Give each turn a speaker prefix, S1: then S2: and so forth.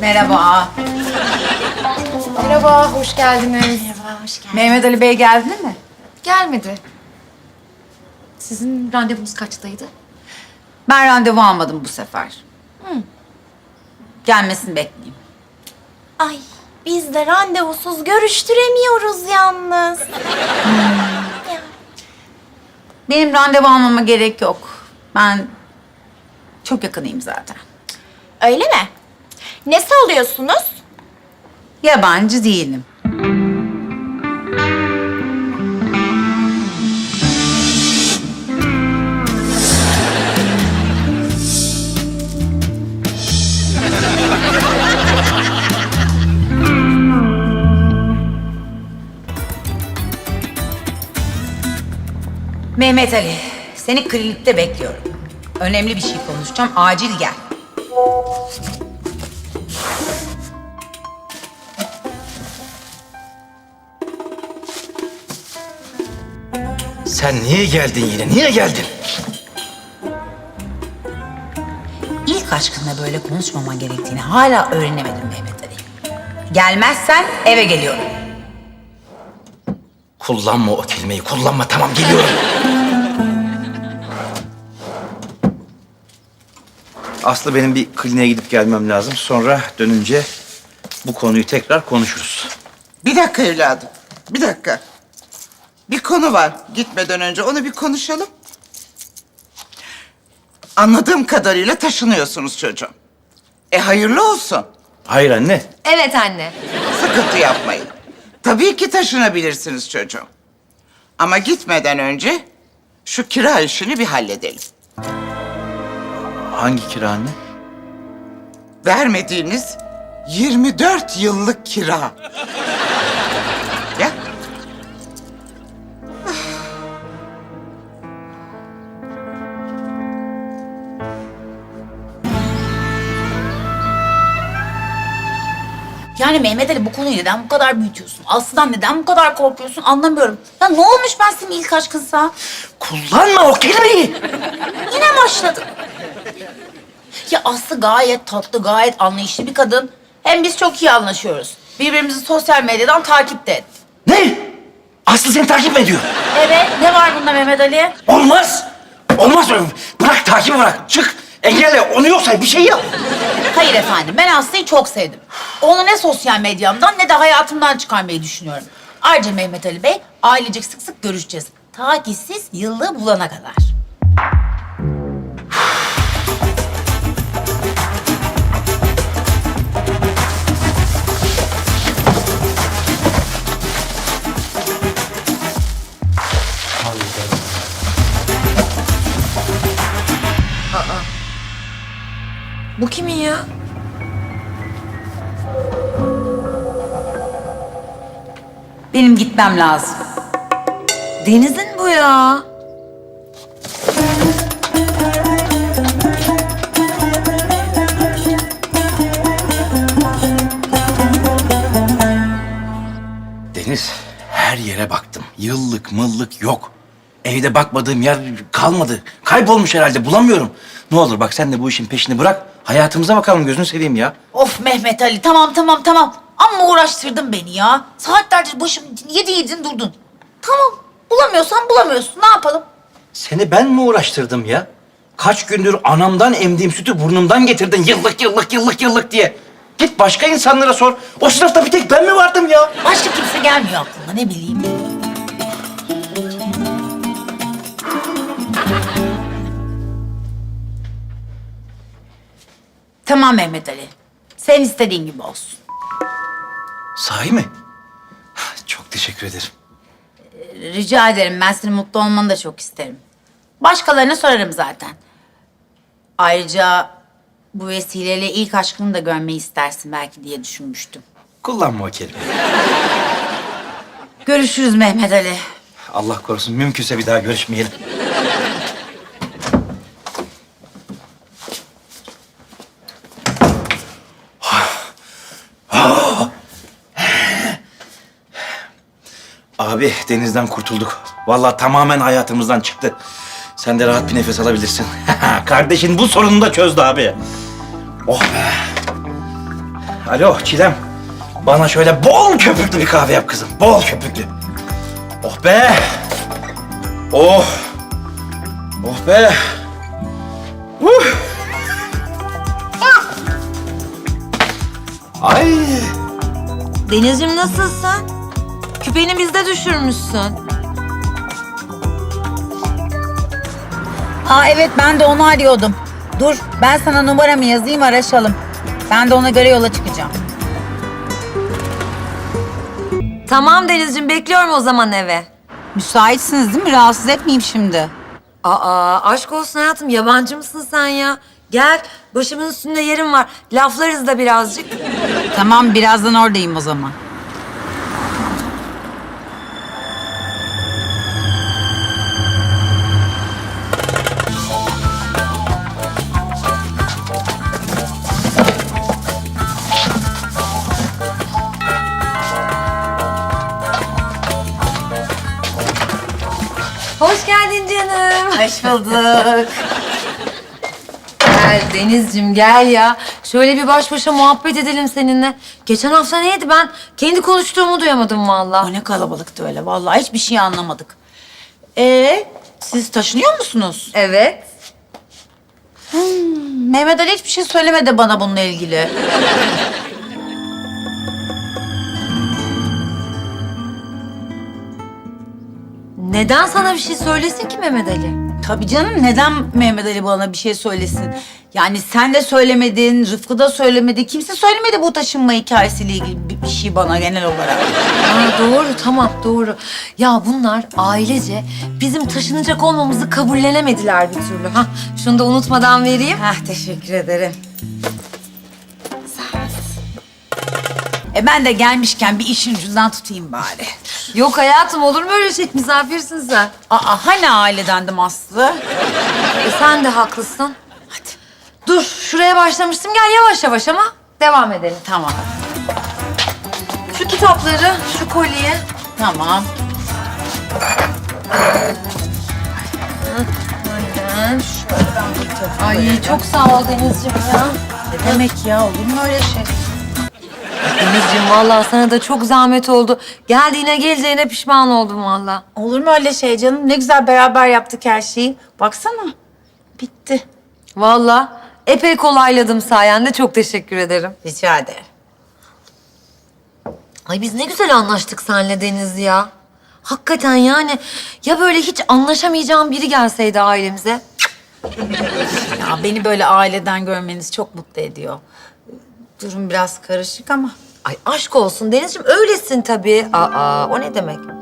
S1: Merhaba.
S2: Merhaba, hoş geldiniz.
S1: Merhaba, hoş geldin. Mehmet Ali Bey geldi mi?
S2: Gelmedi. Sizin randevunuz kaçtaydı?
S1: Ben randevu almadım bu sefer. Gelmesini bekleyeyim.
S3: Ay biz de randevusuz görüştüremiyoruz yalnız.
S1: Benim randevu almama gerek yok. Ben çok yakınıyım zaten.
S3: Öyle mi? Nesi oluyorsunuz?
S1: Yabancı değilim. Mehmet Ali, seni klinikte bekliyorum. Önemli bir şey konuşacağım, acil gel.
S4: Sen niye geldin yine? Niye geldin?
S1: İlk aşkınla böyle konuşmaman gerektiğini hala öğrenemedim Mehmet Ali. Gelmezsen eve geliyorum.
S4: Kullanma o kelimeyi. Kullanma. Tamam geliyorum. Aslı benim bir kliniğe gidip gelmem lazım. Sonra dönünce bu konuyu tekrar konuşuruz.
S5: Bir dakika evladım, bir dakika. Bir konu var. Gitmeden önce onu bir konuşalım. Anladığım kadarıyla taşınıyorsunuz çocuğum. Hayırlı olsun.
S4: Hayır anne.
S2: Evet anne.
S5: Sıkıntı yapmayın. Tabii ki taşınabilirsiniz çocuğum. Ama gitmeden önce şu kira işini bir halledelim.
S4: Hangi kira anne?
S5: Vermediğiniz 24 yıllık kira. Ya.
S1: Yani Mehmet Ali bu konuyu neden bu kadar büyütüyorsun? Aslı'dan neden bu kadar korkuyorsun anlamıyorum. Ya ne olmuş ben senin ilk aşkınsa?
S4: Kullanma o kelimeyi.
S1: Yine başladı. Ya Aslı gayet tatlı, gayet anlayışlı bir kadın. Hem biz çok iyi anlaşıyoruz. Birbirimizi sosyal medyadan takipte et.
S4: Ne? Aslı seni takip mi ediyor?
S1: Evet, ne var bunda Mehmet Ali?
S4: Olmaz. Olmaz. Bırak takibi bırak. Çık. Engelle. Onu yoksa bir şey yap.
S1: Hayır efendim, ben Aslı'yı çok sevdim. Onu ne sosyal medyamdan ne de hayatımdan çıkarmayı düşünüyorum. Ayrıca Mehmet Ali Bey, ailecek sık sık görüşeceğiz. Ta ki siz yıllığı bulana kadar.
S2: Bu kimin ya?
S1: Benim gitmem lazım.
S2: Deniz'in bu ya.
S4: Deniz, her yere baktım. Yıllık mıllık yok. Evde bakmadığım yer kalmadı. Kaybolmuş herhalde, bulamıyorum. Ne olur bak sen de bu işin peşini bırak. Hayatımıza bakalım, gözünü seveyim ya.
S1: Of Mehmet Ali, tamam. Amma uğraştırdın beni ya. Saatlerce başım yedin durdun. Tamam, bulamıyorsun. Ne yapalım?
S4: Seni ben mi uğraştırdım ya? Kaç gündür anamdan emdiğim sütü burnumdan getirdin yıllık diye. Git başka insanlara sor. O sınıfta bir tek ben mi vardım ya?
S1: Başka kimse gelmiyor aklıma, ne bileyim. Tamam Mehmet Ali. Sen istediğin gibi olsun.
S4: Sahi mi? Çok teşekkür ederim.
S1: Rica ederim. Ben senin mutlu olmanı da çok isterim. Başkalarına sorarım zaten. Ayrıca bu vesileyle ilk aşkını da görmeyi istersin belki diye düşünmüştüm.
S4: Kullanma o kelimeyi.
S1: Görüşürüz Mehmet Ali.
S4: Allah korusun, mümkünse bir daha görüşmeyelim. Abi Deniz'den kurtulduk. Vallahi tamamen hayatımızdan çıktı. Sen de rahat bir nefes alabilirsin. Kardeşin bu sorununu da çözdü abi. Oh be. Alo Çilem. Bana şöyle bol köpüklü bir kahve yap kızım. Bol köpüklü. Oh be. Oh. Oh be. Ay.
S2: Denizciğim nasılsın? Küpeni bizde düşürmüşsün.
S1: Aa evet, ben de onu arıyordum. Dur, ben sana numaramı yazayım, araşalım. Ben de ona göre yola çıkacağım.
S2: Tamam Denizciğim, bekliyorum o zaman eve.
S1: Müsaitsiniz değil mi? Rahatsız etmeyeyim şimdi.
S2: Aa, aşk olsun hayatım, yabancı mısın sen ya? Gel, başımın üstünde yerim var. Laflarız da birazcık.
S1: Tamam, birazdan oradayım o zaman.
S2: Hoş geldin canım.
S1: Hoş bulduk.
S2: Gel Denizciğim, gel ya. Şöyle bir baş başa muhabbet edelim seninle. Geçen hafta neydi, ben kendi konuştuğumu duyamadım vallahi.
S1: O ne kalabalıktı öyle. Vallahi hiçbir şey anlamadık. Siz taşınıyor musunuz?
S2: Evet.
S1: Mehmet Ali hiçbir şey söylemedi bana bununla ilgili.
S2: Neden sana bir şey söylesin ki Mehmet Ali?
S1: Tabii canım, neden Mehmet Ali bana bir şey söylesin? Yani sen de söylemedin, Rıfkı da söylemedi. Kimse söylemedi bu taşınma hikayesiyle ilgili bir şey bana genel olarak.
S2: Aa, doğru, tamam, doğru. Ya bunlar ailece bizim taşınacak olmamızı kabullenemediler bir türlü. Hah, şunu da unutmadan vereyim.
S1: Teşekkür ederim. Sağ olasın. Ben de gelmişken bir işin ucundan tutayım bari.
S2: Yok hayatım, olur mu öyle şey? Misafirsin sen.
S1: Hani ailedendim Aslı?
S2: Sen de haklısın. Hadi. Dur, şuraya başlamıştım. Gel yavaş yavaş ama devam edelim.
S1: Tamam,
S2: Şu kitapları, şu kolye.
S1: tamam.
S2: Aynen. Ay çok sağ ol Denizciğim ya.
S1: Ne demek ya, olur mu öyle şey?
S2: Denizciğim vallahi sana da çok zahmet oldu. Geldiğine geleceğine pişman oldum vallahi.
S1: Olur mu öyle şey canım? Ne güzel beraber yaptık her şeyi. Baksana, bitti.
S2: Vallahi epey kolayladım sayende. Çok teşekkür ederim.
S1: Rica ederim.
S2: Ay biz ne güzel anlaştık seninle Deniz ya. Hakikaten yani ya böyle hiç anlaşamayacağım biri gelseydi ailemize.
S1: Ya beni böyle aileden görmeniz çok mutlu ediyor. Durum biraz karışık ama.
S2: Ay aşk olsun Denizciğim, öylesin tabii. Aa, o ne demek?